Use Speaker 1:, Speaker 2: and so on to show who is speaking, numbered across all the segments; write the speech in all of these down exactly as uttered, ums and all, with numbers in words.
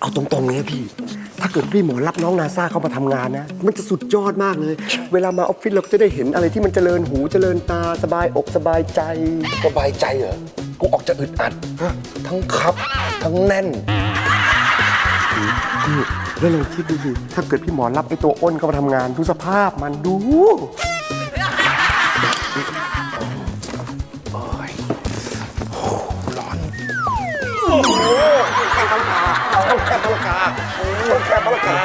Speaker 1: เอาตรงๆเลยนะพี่ถ้าเกิดพี่หมอรับน้องนาซาเข้ามาทำงานนะมันจะสุดยอดมากเลย เวลามาออฟฟิศเราก็จะได้เห็นอะไรที่มันเจริญหูเจริญตาสบายอกสบายใจ
Speaker 2: สบายใจเหรอกูออกจะอึดอัดทั้งคับทั้งแน่น
Speaker 1: พี่แล้วลองคิดดูสิถ้าเกิดพี่หมอรับไอ้ตัวอ้นเข้ามาทำงานดูสภาพมันดูแค่ปลากาเอาแค่ปลากาเอาแค่ปลากา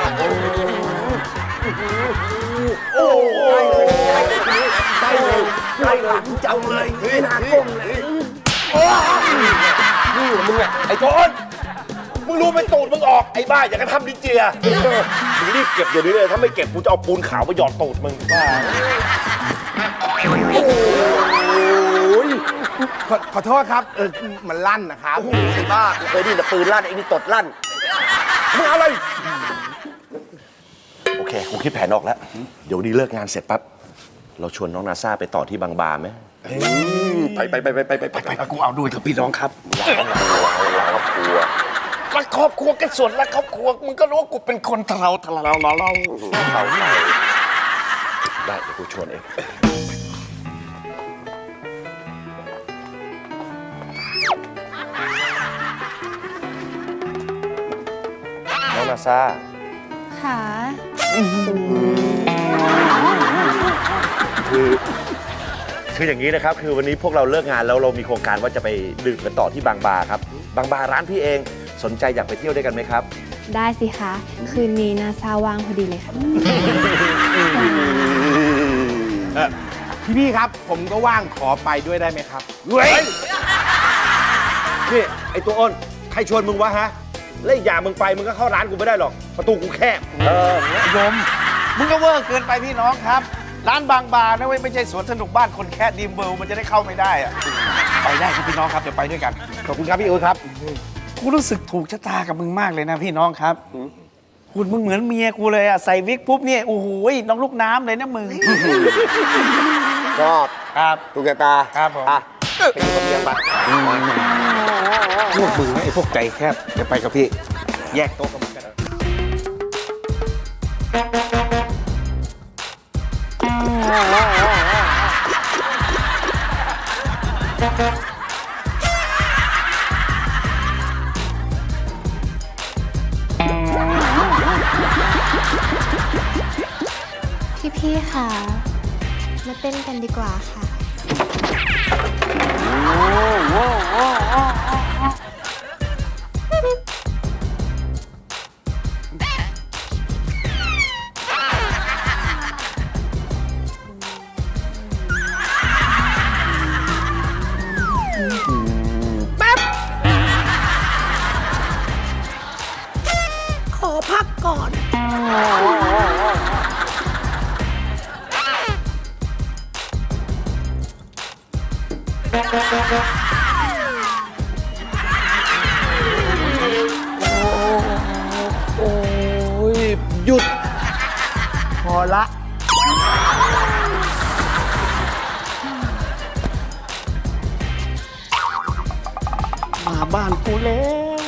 Speaker 1: โอ้ได้เลยได้เลยได้เลยจังเลยนี่นาก้มเลยนี่มึงอะ
Speaker 2: ไอ้โจนมึงรู้ไหมตูดมึงออกไอ้บ้าอย่างกระทำดิเจียมึงรีบเก็บเดี๋ยวนี้เลยถ้าไม่เก็บกูจะเอาปูนขาวไปหยอดตูดมึงบ้า
Speaker 3: ขอขอโทษครับเออมันลั่นนะครับ
Speaker 1: ไอ้บ้าเคยได้ยินแต่ปืนลั่นไอ้นี่ตดลั่นมึงอะไร
Speaker 2: โอเคกูคิดแผนออกแล้วเดี๋ยวนี้เลิกงานเสร็จปั๊บเราชวนน้องนาซาไปต่อที่บางบาไหมไปไปไปไปไปไปไปไปกูเอาด้วยครับพี่น้องครับเราเราครอบครัวรักครอบครัวกันส่วนรักครอบครัวมึงก็รู้ว่ากูเป็นคนทะเลาทะเลาเราเราเราได้เดี๋ยวกูชวนเองน้องนาซา
Speaker 4: ค่ะ
Speaker 2: คือคืออย่างนี้นะครับคือวันนี้พวกเราเลิกงานแล้วเรามีโครงการว่าจะไปดื่มกันต่อที่บางบาครับบางบาร้านพี่เองสนใจอยากไปเที่ยวด้วยกันไหมครับ
Speaker 4: ได้สิคะ คืนนี้นาซาว่างพอดีเลยค่ะ
Speaker 3: พี่พี่ครับ ผมก็ว่างขอไปด้วยได้ไหมครับ
Speaker 2: เฮ้ยนี่ไอตัวอ้นใครชวนมึงวะฮะแล้วอีกอย่างมึงไปมึงก็เข้าร้านกูไม่ได้หรอกประตูกูแคบเออ
Speaker 5: ยมมึงก็เวอร์เกินไปพี่น้องครับ ร้านบางบานะเว้ยไม่ใช่สวนสนุกบ้านคนแค่ดีมเวิลด์มันจะได้เข้าไม่ได้อะไปได้ครับพี่น้องครับเดี๋ยวไปด้วยกัน
Speaker 3: ขอบคุณครับพี่อู๊ดครับ
Speaker 5: กูรู้สึกถูกชะตากับมึงมากเลยนะพี่น้องครับคุณมึงเหมือนเมียกูเลยอะใส่วิกปุ๊บเนี่ยโอ้โหน้องลูกน้ำเลยนะมึง
Speaker 1: ชอบ
Speaker 5: ครับ
Speaker 1: ตุกตา
Speaker 5: ครับผม
Speaker 1: อ่ะไปอยู่กับเมียปะ
Speaker 5: พวกมึงนะไอ้พวกใจแคบเดี๋ยวไปกับพี่แยกโต๊ะกันกัน
Speaker 4: พี่ๆค่ะ มาเต้นกันดีกว่าค่ะ
Speaker 6: ขอพักก่อน
Speaker 3: โอ้ยหยุด พอละ
Speaker 5: มาบ้านกูแล้ว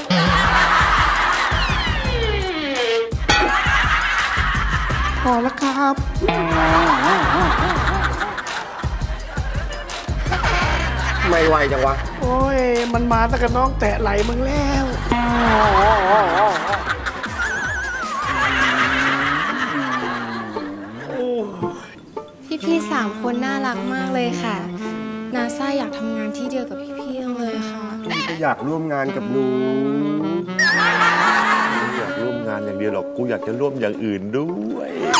Speaker 3: พอแล้วครับ
Speaker 1: ไม่ไหวจังวะ
Speaker 5: โอ้ยมันมาตั้งแต่น้องแตะไหลมึงแล้ว
Speaker 4: พี่ๆสามคนน่ารักมากเลยค่ะ นาซาอยากทำงานที่เดียวกับพี่ๆจังเลยค่ะ
Speaker 1: พี่ก็อยากร่วมงานกับหนู
Speaker 2: ไม่อยากร่วมงานอย่างเดียวหรอกกูอยากจะร่วมอย่างอื่นด้วย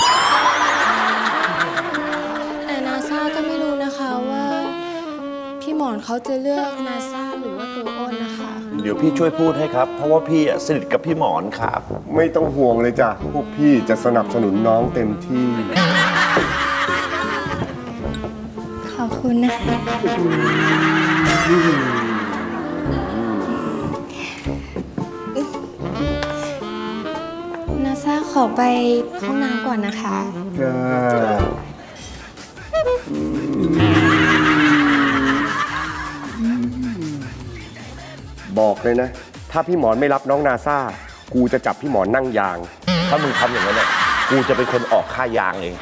Speaker 4: แต่นาซาก็ไม่รู้นะคะว่า พี่หมอนเขาจะเลือกนาซาหรือว่าตัวอ้นนะคะ
Speaker 2: เดี๋ยวพี่ช่วยพูดให้ครับ เพราะว่าพี่อะสนิทกับพี่หมอนครับ
Speaker 1: ไม่ต้องห่วงเลยจ้ะพวกพี่จะสนับสนุนน้องเต็มที่
Speaker 4: ขอบคุณนะคะ นาซาขอไปห้องน้ำก่อนนะคะ
Speaker 1: จ้าบอกเลยนะ ถ้าพี่หมอนไม่รับน้องนาซากูจะจับพี่หมอนั่งยาง
Speaker 2: ถ้ามึงทำอย่างนั้นเนี่ยกูจะเป็นคนออกค่ายางเอง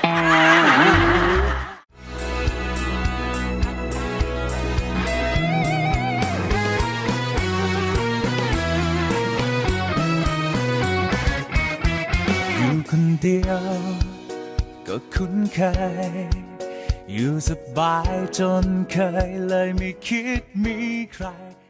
Speaker 7: อยู่คนเดียวก็คุ้นเคย อยู่สบายจนเคยเลยไม่คิดมีใคร